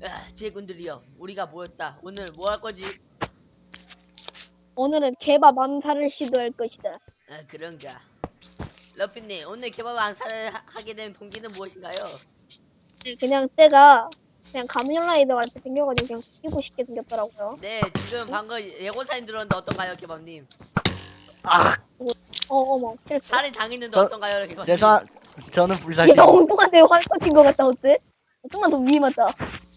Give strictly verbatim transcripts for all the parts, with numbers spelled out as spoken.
아, 제군들이여, 우리가 모였다. 오늘 뭐 할 거지? 오늘은 개밥 암살을 시도할 것이다. 아, 그런가. 러피님, 오늘 개밥 안사를 하- 하게 된 동기는 무엇인가요? 그냥 때가 그냥 가면라이더 같이 생겨가지고 그냥 뛰고 싶게 생겼더라고요. 네, 지금 방금 예고 사진 들었는데 어떤가요, 개밥님? 아, 어, 어머, 실수. 살인 당했는데 저- 어떤가요, 개밥님? 죄송, 저는 불사실. 얘가 엉뚱한데 활 꽂힌 것 같다, 어때? 좀만 더 위에 맞자.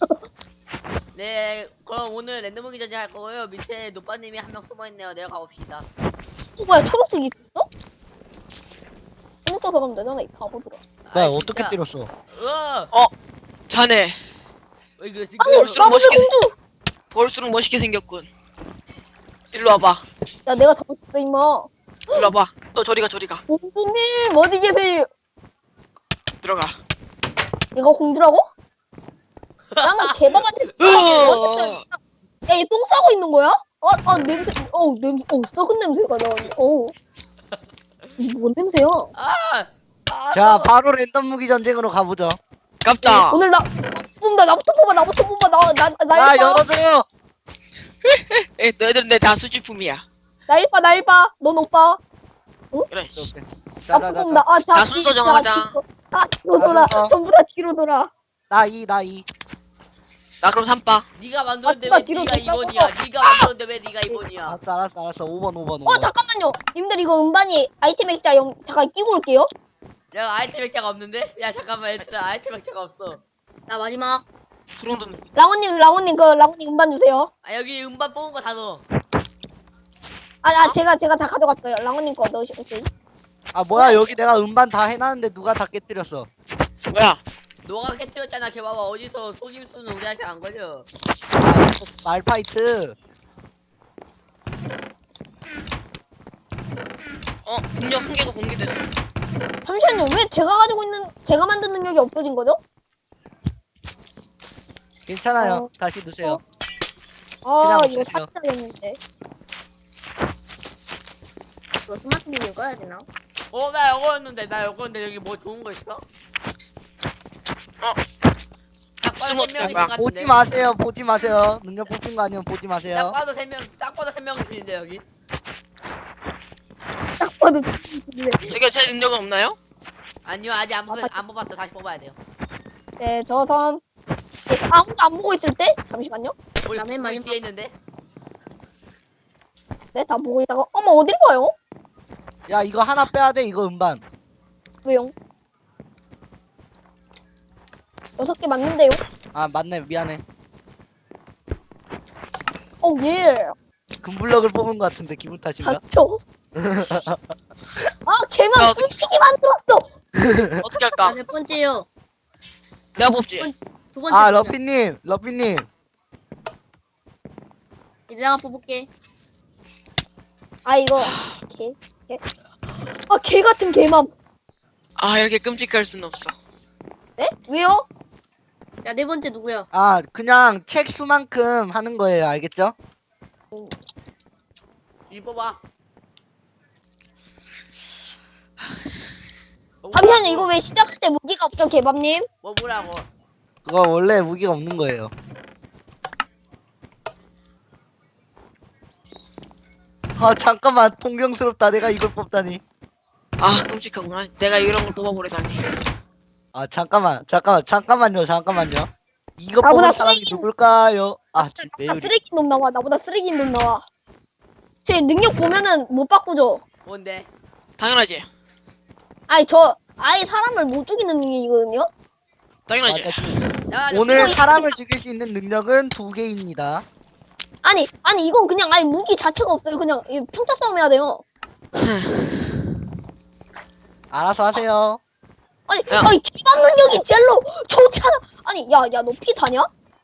네, 그럼 오늘 랜덤무기 전쟁 할 거고요. 밑에 노빠님이 한 명 숨어있네요. 내려가 봅시다. 어, 뭐야, 초록색 있었어? 초록 써서 가면 되잖아, 이 바보들아. 뭐야, 아, 어떻게 진짜. 때렸어? 우와! 자네 어, 이거 지금 아니, 볼수록 바보들 멋있게 공주! 볼수록 멋있게 생겼군. 일로 와봐. 야, 내가 다 멋있어, 임마. 일로 와봐. 너 저리가 저리가. 공주님, 어디 계세요? 들어가. 얘가 공주라고? 나는 개밥한테 으어. 야, 얘 똥 싸고 있는 거야? 아, 아, 냄새, 어우, 냄새, 어우, 썩은 냄새가 나는데, 어우. 이게 뭔 냄새야? 아! 아, 자, 또- 바로 랜덤 무기 전쟁으로 가보죠. 깝다. 오늘 나, 뽑는다, 나부터 뽑아, 나부터 뽑아, 나, 나, 나 야, 일파, 열어줘요. 에, 너희들은 내 다 수집품이야. 나 일파, 나 일파, 넌 오빠. 그래. 자, 나 자, 자, 뽑는다, 자. 아, 자, 자, 순서 정하자. 아, 뒤로 돌아, 순서. 전부 다 뒤로 돌아. 나 이, 나 이. 나 그럼 삼바. 네가 만들었는데 아, 왜 뒤로 네가 뒤로 이 번이야? 네가 만들었는데 왜 네가 이 번이야? 알았어, 알았어, 알았어. 오 번, 오 번, 오 어, 번. 잠깐만요. 님들 이거 음반이 아이템 액자 영, 잠깐 끼고 올게요. 야, 아이템 액자가 없는데? 야, 잠깐만, 얘들아, 아이템 액자가 없어. 나 마지막. 소름 돋는. 라온님, 라온님, 그, 라온님 음반 주세요. 아, 여기 음반 뽑은 거 다 넣어. 아, 아, 제가, 제가 다 가져갔어요. 라온님 거 넣으시겠어요? 아, 뭐야, 여기 내가 음반 다 해놨는데 누가 다 깨뜨렸어. 뭐야? 너가 깨뜨렸잖아, 개봐봐. 어디서 속임수는 우리한테 안 걸려. 말파이트. 어, 능력 한 개가 공개됐어. 잠시만요. 왜 제가 가지고 있는, 제가 만든 능력이 없어진 거죠? 괜찮아요. 어. 다시 넣으세요. 아, 그냥 이거 없애세요. 삭제했는데. 이거 스마트 비디오 꺼야 되나? 어, 나 이거였는데, 나 이거였는데, 여기 뭐 좋은 거 있어? 어. 딱 봐도 숨어 세 명이신 들어가. 것 같은데. 보지 마세요. 보지 마세요. 능력 뽑힌 거 아니면 보지 딱 마세요. 봐도 세 명, 딱 봐도 세 명이신데, 여기. 딱 봐도 비디오. 저기 제 능력은 없나요? 아니요, 아직 안, 뽑, 아, 안 뽑았어. 다시 뽑아야 돼요. 네, 저 선. 네, 아무도 안 보고 있을 때? 잠시만요. 우리, 남의 우리 마지막- 뒤에 있는데? 네, 다 보고 있다가, 어머, 어딜 봐요? 야, 이거 하나 빼야 돼. 이거 음반. 왜요? 여섯 개 맞는데요? 아, 맞네. 미안해. 어, 예. 금블럭을 뽑은 거 같은데 기분 탓인가? 맞죠? 아, 걔만 자, 솔직히 만들었어! 어떻게 할까? 몇 번째요? 내가 뽑지. 두 번째. 아, 러피님, 러피님. 이제 내가 뽑을게. 아, 이거, 개, 개. 아, 개 같은 개맘. 아, 이렇게 끔찍할 순 없어. 네? 왜요? 야, 네 번째 누구야? 아, 그냥 책 수만큼 하는 거예요. 알겠죠? 이 뽑아. 뭐 잠시만요, 이거 왜 시작할 때 무기가 없죠, 개밥님? 뭐 뭐라고? 그거 원래 무기가 없는 거예요. 아, 잠깐만. 통경스럽다. 내가 이걸 뽑다니. 아, 끔찍하구나. 내가 이런 걸 뽑아버리다니. 아, 잠깐만. 잠깐만. 잠깐만요. 잠깐만요. 이거 나보다 뽑은 사람이 쓰레기- 누굴까요? 아, 진- 나 매율이. 쓰레기 놈 나와, 나보다 쓰레기 놈 나와. 제 능력 보면은 못 바꾸죠? 뭔데? 당연하지. 아니, 저, 아예 사람을 못 죽이는 능력이거든요? 당연하지. 맞아. 야, 오늘 이거- 사람을 죽일 수 있는 능력은 두 개입니다. 아니, 아니, 이건 그냥 아예 무기 자체가 없어요. 그냥 이 평타 싸움 해야 돼요. 알아서 하세요. 아니, 야. 아니, 기반 능력이 젤로 좋잖아. 아니, 야, 야, 너 피 다냐?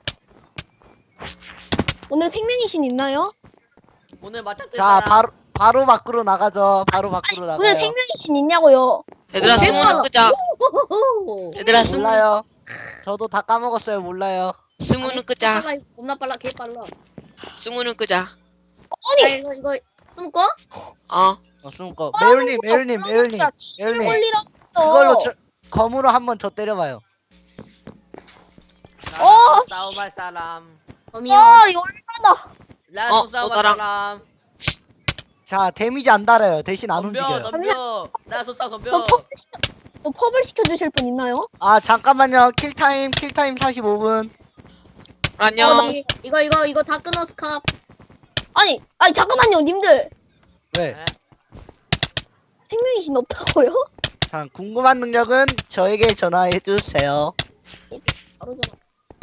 오늘 생명의 신 있나요? 오늘 맞짱 뜰 자, 사람. 바로 바로 밖으로 나가죠. 바로 밖으로 오늘 나가요. 생명의 신 있냐고요? 얘들아, 어, 스무는 끄자. 호호호. 얘들아, 스무, 몰라요. 저도 다 까먹었어요. 몰라요. 스무는 끄자. 빨라, 이거 겁나 빨라, 개 빨라. 스무는 끄자. 야, 아니, 이거, 이거, 숨고? 어. 어, 숨고. 매울님, 매울님, 매울님. 매울님. 올리라. 그걸로 저, 검으로 한번 저 때려봐요. 어, 싸움할 사람. 범이요. 아 열받아. 나랑 어, 또 싸움할 너랑. 사람. 자 데미지 안 달아요. 대신 안 덤벼 움직여요. 덤벼. 나랑 또 싸움 덤벼. 저 펍, 저 펍을 시켜주실 분 있나요? 아 잠깐만요. 킬타임 킬타임 사십오 분. 안녕. 어, 이- 이거 이거 이거 다 끊어 스캅. 아니 아니 잠깐만요 님들. 왜? 네? 생명이신 없다고요? 자 궁금한 능력은 저에게 전화해 주세요. 바로 전화.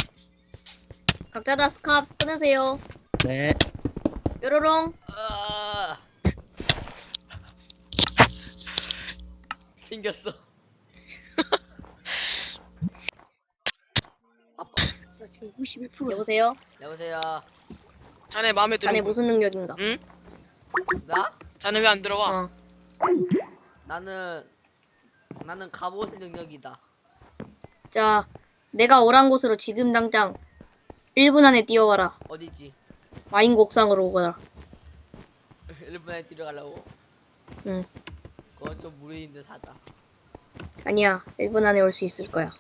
각자 다 스캅 끊으세요. 네. 뾰로롱. 아. 생겼어. 아빠. 나 지금 구십일 퍼센트. 여보세요. 여보세요. 자네 마음에 드는 자네 거. 무슨 능력인가? 응? 나? 자네 왜 안 들어와? 어. 나는 나는 갑옷의 능력이다. 자, 내가 오란 곳으로 지금 당장 일 분 안에 뛰어와라. 어디지? 와인 곡상으로 오거라. 일 분 안에 뛰어가려고? 응. 그건 좀 무리인 듯하다. 아니야, 일 분 안에 올 수 있을 거야.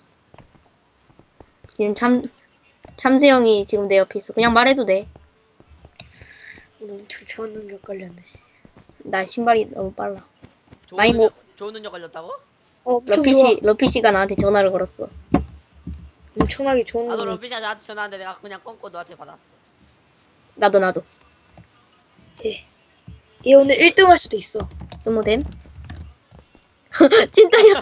지금 참 참새형이 지금 내 옆에 있어. 그냥 말해도 돼. 오늘 엄청 차원 능력 걸렸네. 나 신발이 너무 빨라. 좋은 많이 능력, 좋은 능력 걸렸다고? 어, 엄청 러피 좋아. 씨, 러피 씨가 나한테 전화를 걸었어. 엄청나게 좋은 나도 능력. 런피샤 나한테 전화하는데 내가 그냥 껌고 너한테 받았어. 나도 나도. 예. 얘 오늘 일 등 할 수도 있어. 스모뎀. 찐따야.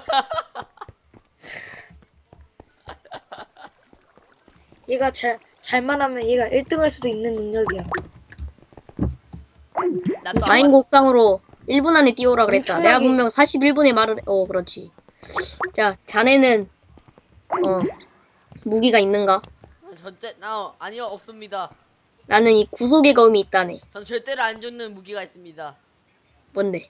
얘가 잘 잘만 하면 얘가 일 등 할 수도 있는 능력이야. 나또 와인 곡상으로 일 분 안에 뛰어오라 그랬다. 엄청나게- 내가 분명 사십일 분에 말을 해. 어, 그렇지. 자, 자네는 어 무기가 있는가? 전대 나 아니요 없습니다. 나는 이 구속의 검이 있다네. 전 절대로 안 죽는 무기가 있습니다. 뭔데?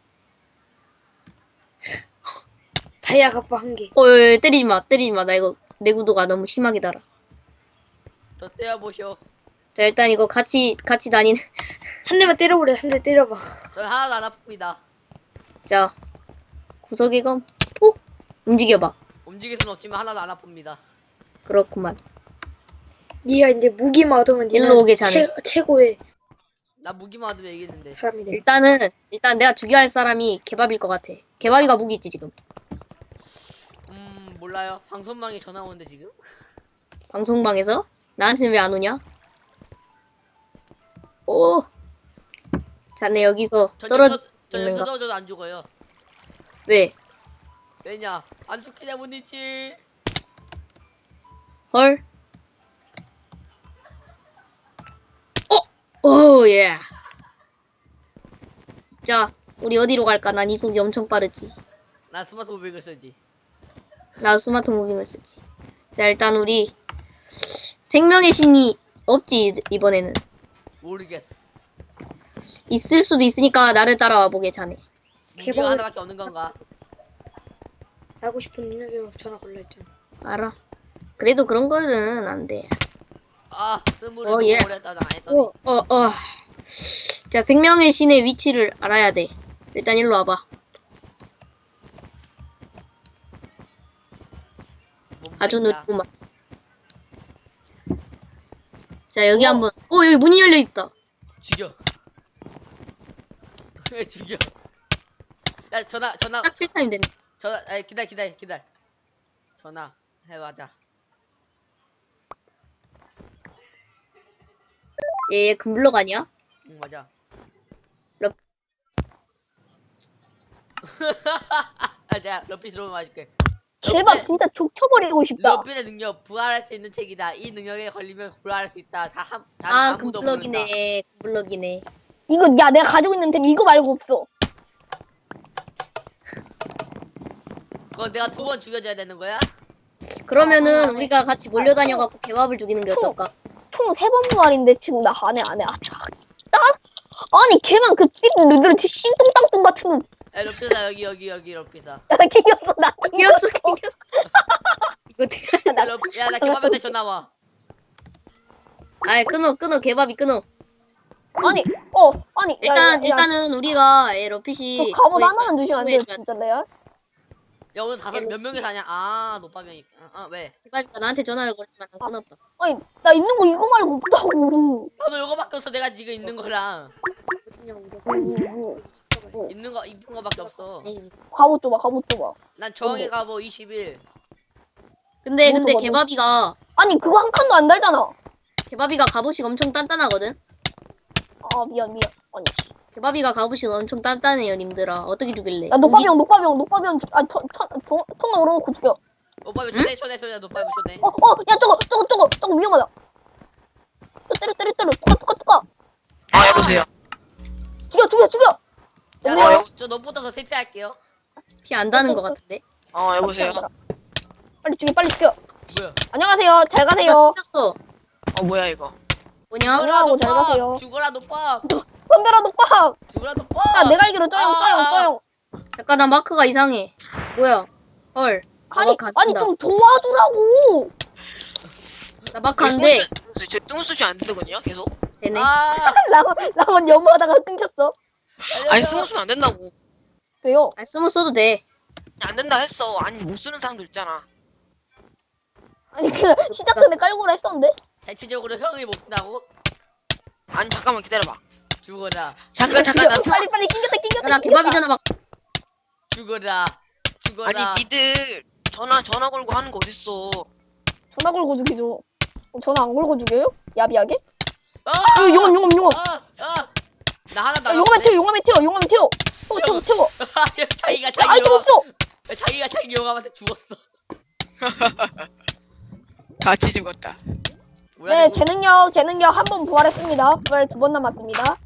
다이아 갑바 한 개. 어, 어, 어, 때리지 마, 때리지 마. 나 이거 내 구도가 너무 심하게 달아. 더 떼어보쇼. 자, 일단 이거 같이 같이 다니는. 한 대만 때려버려. 한 대 때려봐. 전 하나도 안 아픕니다. 자, 구속의 검. 푹 움직여봐. 움직일 순 없지만 하나도 안 아픕니다. 그렇구만. 네가 이제 무기만 얻으면 일로 네가 오게 자네. 최, 최고의 나 무기만 얻으면 이기는데. 사람이 돼. 일단은 일단 내가 죽여야 할 사람이 개밥일 것 같아. 개밥이가 무기 있지 지금. 음 몰라요. 방송망에 전화 오는데 지금? 방송방에서 나한테 왜 안 오냐? 오. 자네 여기서 전 떨어. 여기서 전 있는가? 여기서 떨어져도 안 죽어요. 왜? 왜냐? 안 죽기 때문이지. 헐. 어. 오 예. 자, 우리 어디로 갈까? 난 이속이 엄청 빠르지. 나 스마트 오백을 쓰지. 나 스마트 무빙을 쓰지. 자, 일단 우리 생명의 신이 없지 이번에는. 모르겠어. 있을 수도 있으니까 나를 따라와 보게 자네. 무기가 개발- 하나밖에 없는 건가? 하고 싶은 능력이 전화 걸려 있잖아. 알아. 그래도 그런 거는 안 돼. 아 스물을 어, 너무 예. 오래 했다가 안 했더니. 어, 어, 어. 자, 생명의 신의 위치를 알아야 돼. 일단 일로 와봐. 아주 몸짱이야. 늦구만. 자, 여기 어. 한번. 어, 여기 문이 열려 있다. 죽여. 왜 죽여? 야 전화 전화 딱 필타임 됐네. 전화. 아 기다려 기다려 기다려. 전화 해봐자. 얘, 얘 금블럭 아니야? 응 맞아. 럽- 아 내가 러피 들어오면 맞을게. 개밥 진짜 족쳐버리고 싶다. 러피의 능력 부활할 수 있는 책이다. 이 능력에 걸리면 부활할 수 있다. 다한 아, 아무도 모른다. 금블럭이네. 금블럭이네. 이거 야 내가 가지고 있는 템 이거 말고 없어. 그거 내가 두 번 죽여줘야 되는 거야? 그러면은 우리가 같이 몰려다녀갖고 개밥을 죽이는 게 어떨까? 총 세 번 부활인데 지금 나 안해 안해 아차. 나 아니 걔만 그 띠는 너들 신똥땅똥 같은 놈. 에 러피사 여기 여기 여기 러피사. 나 킹겼어 나 킹겼어, 킹겼어. 이거 어떻게 하냐? 야 러피 야나 개밥한테 전화 와. 아, 끊어, 끊어, 개밥이 끊어. 아니 어 아니 야, 일단, 야, 야, 일단은 우리가 에, 러핏이. 저 갑옷 구해- 하나만 주시면 안 돼요 구해줘야 진짜 레알? 야 오늘 다섯 몇 명이서 하냐? 아 노빠명이. 아, 아 왜? 개밥이가 나한테 전화를 걸지만 난 끊었다. 아니 나 있는 거 이거 말고 없다고. 나도 이거밖에 없어. 내가 지금 있는 거랑 있는 거 입은 거밖에 없어. 에이. 갑옷 줘봐 갑옷 줘봐. 난 저항의 가보 이십일. 근데 근데 뭐도 개밥이가 아니 그거 한 칸도 안 달잖아. 개밥이가 갑옷이 엄청 단단하거든. 아 미안 미안. 아니 개밥이가 갑옷이 엄청 단단해요, 님들아. 어떻게 죽일래? 야 녹밥이형 녹밥이형 녹밥이형 아턴턴 통화 오르고 죽여. 오빠면 초대 초대 초대 노빠면 초대. 어어야 저거 저거 저거 저거 위험하다. 저 때려 때려 때려 뚜까 뚜까 뚜까. 아 여보세요. 죽여 죽여 죽여. 자, 여보세요? 저 너부터서 세피할게요. 피 안 다는 것 같은데. 어 여보세요. 빨리 죽여 빨리 죽여. 뭐야? 안녕하세요 잘 가세요. 렸어 어 뭐야 이거. 뭐냐? 안녕하고 잘 가세요. 죽어라 노빠. 선별아 녹밥. 죽어라 노빠. 야 내가 알기로 쩌영 아, 쩌영 아. 쩌영. 잠깐 나 마크가 이상해. 뭐야? 헐. 나 아니 마크 안 아니 뜬다. 좀 도와주라고. 나 마크 안 돼. 제 뚱수지 안 되거든요 계속. 되네. 아. 라원 라원 연마하다가 끊겼어. 아니 스무 쓰면 안 된다고. 왜요? 아, 스무 써도 돼. 안 된다 했어. 아니 못 쓰는 사람도 있잖아. 아니 그 시작 전에 깔고라 했었는데. 대체적으로 형이 못 쓴다고? 아니 잠깐만 기다려봐. 죽어라. 잠깐 잠깐 나 빨리 빨리 낑겼다 낑겼다. 야, 나 개밥이잖아 막. 죽어라. 죽어라. 아니 니들 전화 전화 걸고 하는 거 어딨어. 전화 걸고 죽이죠. 어, 전화 안 걸고 죽여요? 야비하게? 아! 어, 용암 용암 용암. 아! 아! 나 하나 야, 용암에 나갔네. 튀어 용암에 튀어 용암에 튀어. 태워 태워 태워. 자기가 야, 자기 아이템 용암 없어. 자기가 자기 용암한테 죽었어. 같이 죽었다. 뭐야, 네 이거? 재능력 재능력 한 번 부활했습니다. 부활 두 번 남았습니다.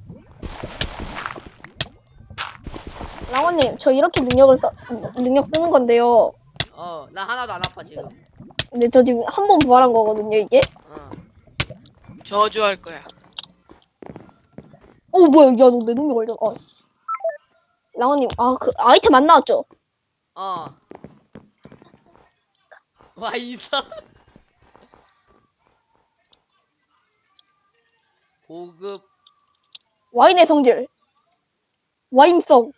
랑원님 저 이렇게 능력을 써 능력 쓰는 건데요. 어, 나 하나도 안 아파 지금. 근데 저 지금 한 번 부활한 거거든요 이게. 어. 저주할 거야. 어 뭐야 야 너 내 능력 걸려. 어. 랑원님 아 그 아이템 안 나왔죠? 어. 와 있어. 보급. 와인의 성질. 와인성.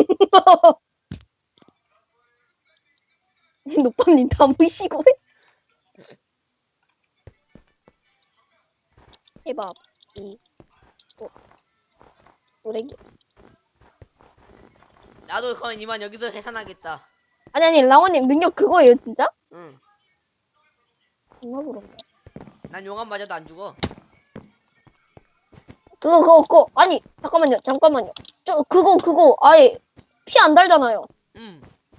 노빠님 다 모이시고 해. 해밥 이 오 노래기. 나도 그럼 이만 여기서 해산하겠다. 아니 아니 랑원님 능력 그거예요 진짜? 응. 정말 그런가? 난 용암 맞아도 안 죽어. 그거 그거 그거 아니 잠깐만요 잠깐만요. 저 그거 그거 아예 피 안 달잖아요. 응.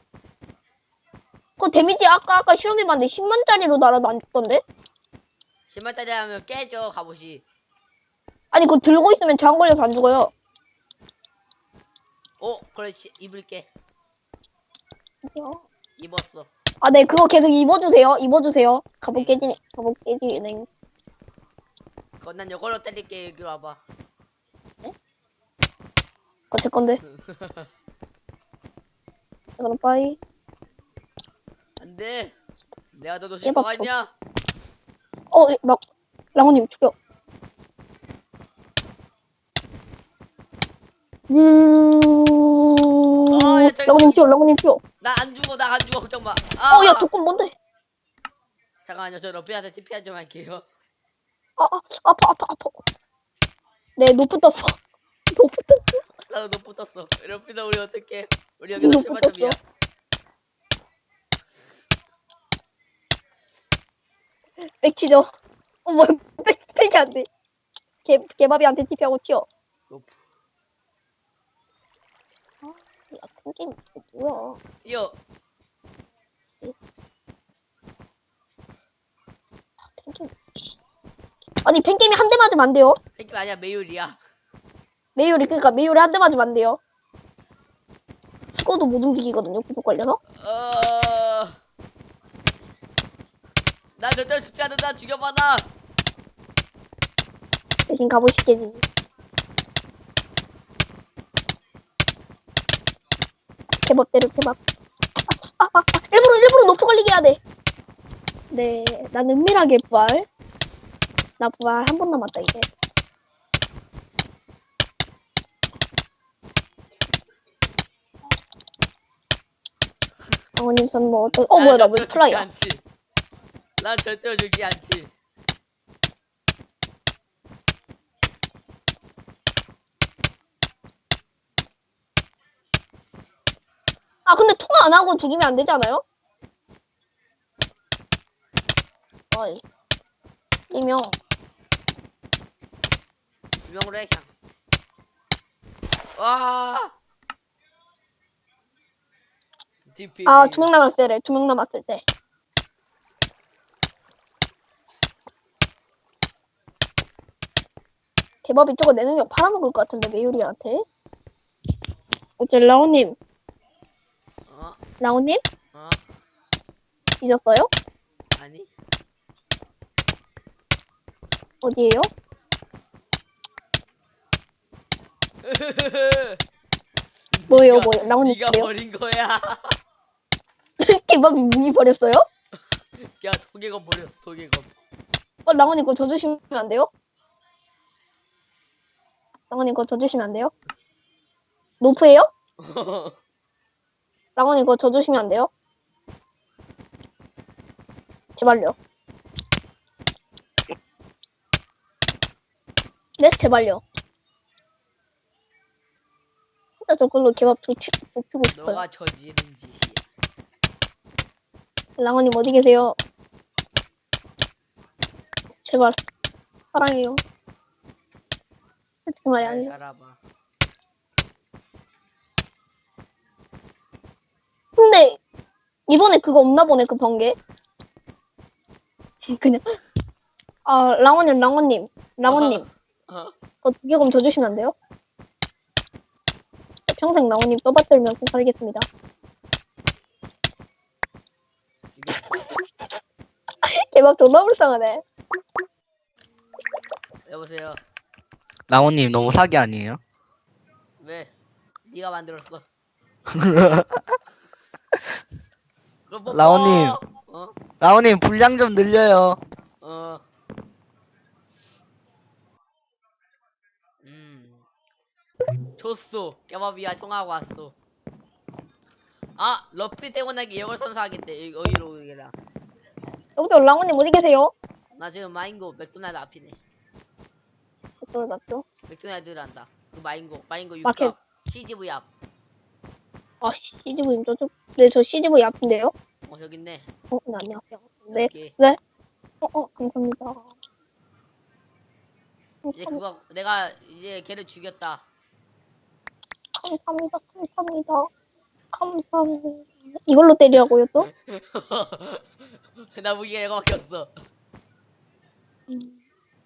그거 데미지 아까 아까 실험해봤는데 십만짜리로 날아도 안 죽던데? 십만짜리 하면 깨져 갑옷이. 아니 그거 들고 있으면 저항 걸려서 안 죽어요. 어, 그렇지. 입을게. 입었어. 아 네 그거 계속 입어주세요 입어주세요. 갑옷 깨지네 갑옷 깨지네. 그건 난 이걸로 때릴게. 여기 와봐. 어, 제 건데. 그럼 빠이. 안 돼. 내가 너 놓칠 깨봐, 거 아니야? 어, 막 랑호님 죽여. 음. 어, 야, 저기- 랑호님 튀어, 랑호님 튀어. 나 안 죽어. 나 안 죽어. 걱정 마. 아, 어, 야, 조건 뭔데? 잠깐만요. 저 러피한테 티피한 좀 할게요. 아, 아, 아파, 아파, 아파. 네, 노프 떴어. 노프 떴어. 나도 너 붙었어. 러피다 우리 어떡해? 우리 여기서 너 칠 만점이야. 백치죠. 어, 뭐야, 백, 백이 안 돼. 개, 개밥이한테 티피하고 튀어. 로프. 야, 큰 게임, 이거 뭐야. 뛰어. 팬게임. 아니, 팬게임이 한 대 맞으면 안 돼요. 팬낌 아니야. 메율이야. 메이올이, 그니까 메이올이 한 대 맞으면 안 돼요. 죽어도 못 움직이거든요, 구속 걸려서. 어. 나 절대 죽지 않는다. 죽여봐 나. 대신 갑옷이 깨지지. 개밥 때려, 개밥. 아, 아, 아, 일부러, 일부러 높이 걸리게 해야 돼. 네, 난 은밀하게 부활. 나 부활 한 번 남았다, 이제. 랑원님 저는 뭐 어떤 어 뭐야 나 왜 절대로 죽지 플라이야? 않지. 난 절대로 죽지 않지. 아 근데 통화 안 하고 죽이면 안 되지 않아요? 어이 이명 유명으로 해 그냥. 와. 디피. 아 두 명 남았을 때래 두 명 남았을 때 개밥이 저거 내 능력 팔아먹을 것 같은데 메유리한테 어째 라오님 어? 라오님 어? 잊었어요? 아니? 어디에요? 뭐예요, 네가- 뭐예요? 라온이 네가 뭐예요? 버린 거야. 개밥이 문이 버렸어요? 야 도개검 버렸어 도개검. 어 라온이 그거 져주시면 안 돼요? 라온이 그거 져주시면 안 돼요? 노프예요? 라온이 그거 져주시면 안 돼요? 제발요. 네, 제발요. 진짜 저걸로 개밥 좋치, 좋치고 싶어요. 너가 저지른 짓이야. 랑원님 어디 계세요? 제발. 사랑해요. 솔직히 말이 잘 아니에요. 살아봐. 근데 이번에 그거 없나 보네, 그 번개. 그냥 아 랑원님 랑원님 랑원님 어? 그거 두개검 져주시면 안 돼요? 평생 랑원님 떠받들면서 살겠습니다. 죽였어. 개밥 존나 불쌍하네. 여보세요. 라온님 너무 사기 아니에요? 왜? 네가 만들었어. 그럼 뭐 라온님. 어? 라온님 분량 좀 늘려요. 어. 음. 줬어. 깨밥이야 통하고 왔어. 아, 러피 때문에 이걸 선사하겠대. 여기- 여기로 오게라. 여보세요 랑원님 어디 계세요? 나 지금 마인고 맥도날드 앞이네. 그걸 맞죠? 맥도날드를 한다. 그 마인고, 마인고 마켓. 육갑 씨지브이 앞. 아 씨지브이 저쪽 네 저 씨지브이 앞인데요? 어 저기 있네. 어 네, 안녕하세요. 네. 여기. 어, 어 감사합니다. 이제 그거 내가 이제 걔를 죽였다. 감사합니다. 감사합니다. 감사합니다. 이걸로 때리라고요 또? 나 무기가 이거밖에 없어. 음.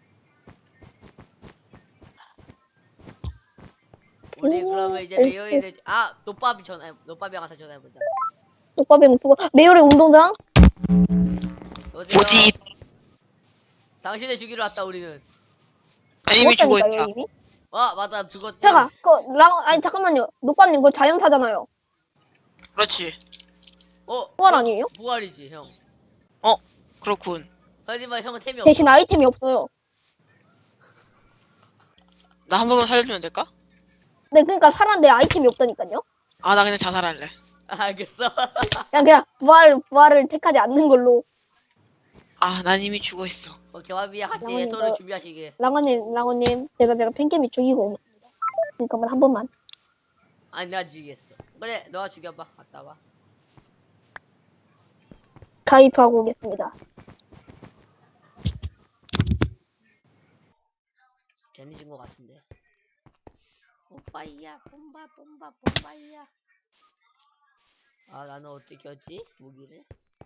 우리 오, 그러면 이제 오, 메이어에 아 노밥이 전화 노밥이랑 가서 전화해보자. 오빠배 목표가 메이어의 운동장? 여보세요? 뭐지? 당신을 죽이러 왔다 우리는. 아, 이미 죽어 죽었다니까요, 있다. 이미? 와 맞다 죽었지. 잠깐, 그 랑, 아니 잠깐만요. 노빠님 그거 자연사잖아요. 그렇지. 어? 부활 아니에요? 부활이지 형. 그렇군. 하지만 형은 템이 없어. 대신 아이템이 없어요. 나 한 번만 살려주면 될까? 네, 그러니까 살았는데 아이템이 없다니까요. 아, 나 그냥 자살할래. 아, 알겠어. 그냥 그냥 부활 부활을 택하지 않는 걸로. 아, 난 이미 죽어 있어. 어, 개밥이야 같이 랑원님, 해소를 저- 준비하시게. 랑원님, 랑원님, 제가 제가 팬캠이 죽이고 오겠습니다. 그러니까 한 번만. 아니 내가 죽이겠어. 그래 너가 죽여봐. 갔다 와. 가입하고 오겠습니다. 괜히 진 것 같은데. 뽐빠이야 뽐바 뽐바 뽐빠이야. 아 나는 어떻게 하지 무기를?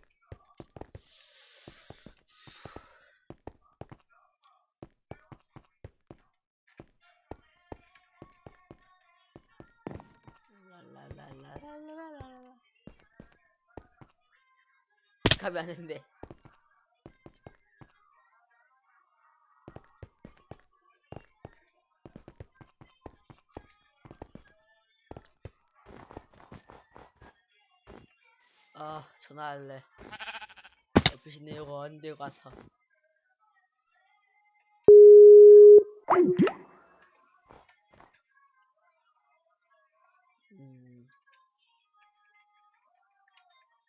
랄랄랄랄랄랄랄라. 스캅이 안 했는데. 아 전화할래. 옆에 내가 안 될 것 같아. 음.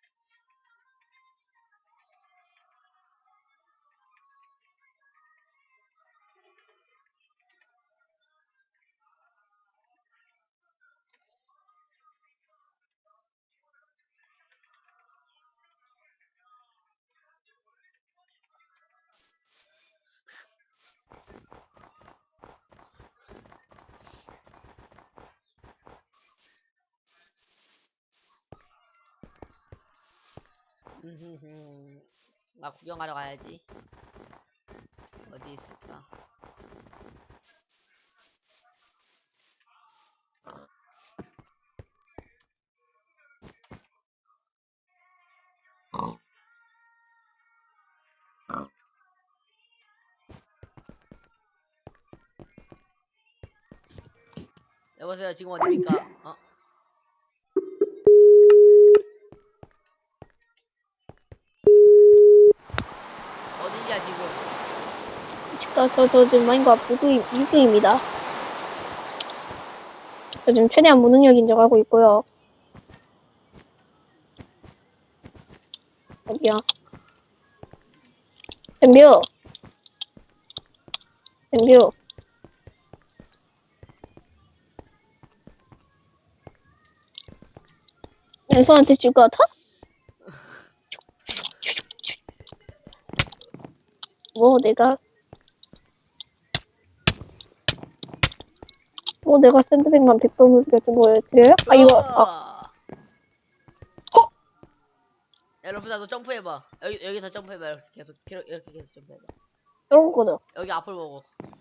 음흠흠. 나 구경하러 가야지. 어디 있을까? 여보세요, 지금 어디입니까? 어? 어디냐 지금? 저, 저, 저 지금 마인크래프트 육 위입니다. 저 지금 최대한 무능력 인정하고 있고요. 어디야? 댐뷰. 댐뷰. 왼손한테 질 것 같아? 뭐 내가 뭐 내가 샌드백만 백 번을 보여드려요? 아 이거 아, 어! 야 러프다 너 점프해봐. 여기 여기서 점프해봐. 이렇게 계속 이렇게 이렇게 계속 점프해봐. 이런 거죠. 여기 앞을 보고.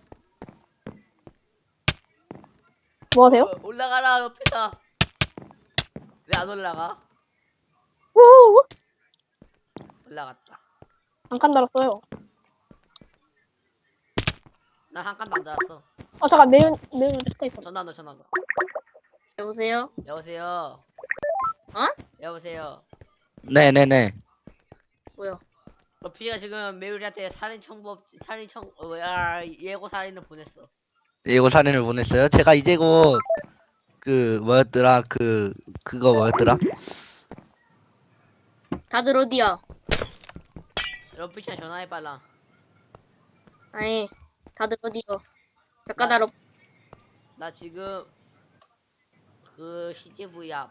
뭐 하세요? 어, 올라가라 러프다. 왜 안 올라가? 우 올라갔다. 잠깐 달았어요. 난 한 칸도 안 달았어. 아 잠깐 매운 매운 스카이프. 전화 넣어 전화 넣어. 여보세요? 여보세요. 어? 여보세요. 네네네. 뭐야? 러피가 지금 메율이한테 살인 청법 살인 청 어, 뭐야 예고 살인을 보냈어. 예고 사진을 보냈어요. 제가 이제 곧 그 뭐였더라 그 그거 뭐였더라? 다들 어디야? 러피차 전화해 빨라. 아니, 다들 어디요? 잠깐 나- 나로 나 지금 그 씨지브이 앞.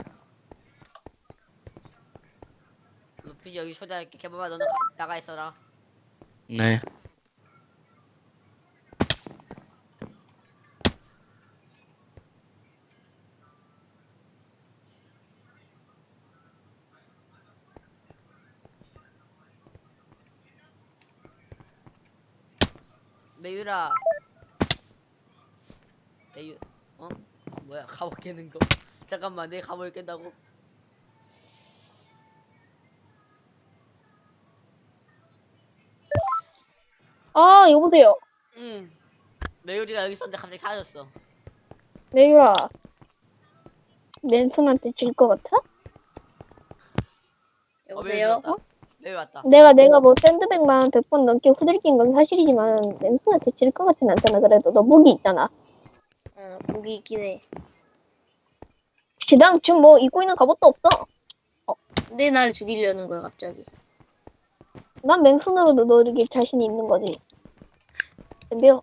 러피 여기 초대할게. 개봐봐 너는 가, 나가 있어라. 네. 메율아. 메율 어? 뭐야 갑옷 깨는 거. 잠깐만 내 갑옷을 깬다고? 아 여보세요. 응. 메율이가 여기 있었는데 갑자기 사라졌어. 매유라. 맨손한테 질 것 같아? 여보세요? 어, 메율 왔다. 내가 내가 뭐 샌드백만 백 번 넘게 후들긴 건 사실이지만 맨손한테 질 것 같진 않잖아. 그래도 너 무기 있잖아. 어, 목이 있긴 해. 지당 지금 뭐 입고 있는 갑옷도 없어. 근데 나를 죽이려는 거야 갑자기. 난 맨손으로도 너 이길 자신이 있는 거지. 덤벼.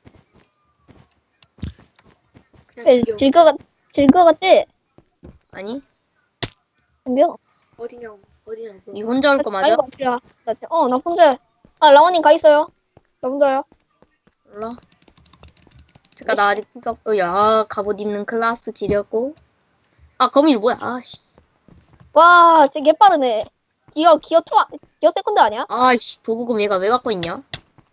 그냥 죽여. 질것 같, 질것 같지? 아니? 덤벼. 어디냐고? 어디냐고? 니 혼자 올 거 맞아? 아이고, 아프야. 나 진짜- 어, 나 혼자. 아, 라원님 가 있어요. 나 혼자요. 몰라. 잠깐 나 아직 가, 어, 야 갑옷 입는 클라스 지렸고. 아 거미줄 뭐야? 아씨. 와, 진짜 개빠르네. 기어, 기어 투, 기어 세컨드 아니야? 아씨 도구금 얘가 왜 갖고 있냐?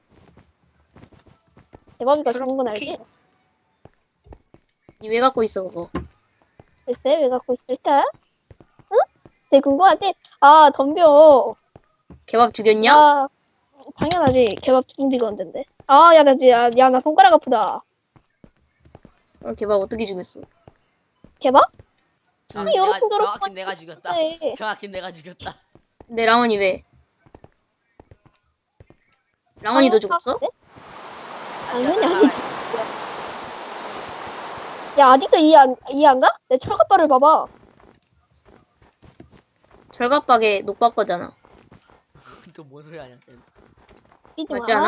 대박이가 좋은 건 알지? 니 왜 갖고 있어 그거? 글쎄, 왜 갖고 있을까? 응? 되게 궁금하지? 아, 덤벼. 개밥 죽였냐? 야, 당연하지. 개밥 중지가 언젠데. 아, 야, 나, 야, 야, 나 손가락 아프다. 어, 개밥 어떻게 죽였어? 개밥? 정확히 여러 내가, 번 저렇게 정확히 내가 죽였다. 네. 정확히 내가 죽였다. 내 랑원이 왜? 랑원이 너 아, 죽었어? 네? 당연히 아니지. 야, 아직도 이해 안, 이해 안 가? 내 철갑발을 봐봐. 절갑박에 녹박 거잖아. 또 뭔 소리 하냐? 삐지 맞지 마. 않아?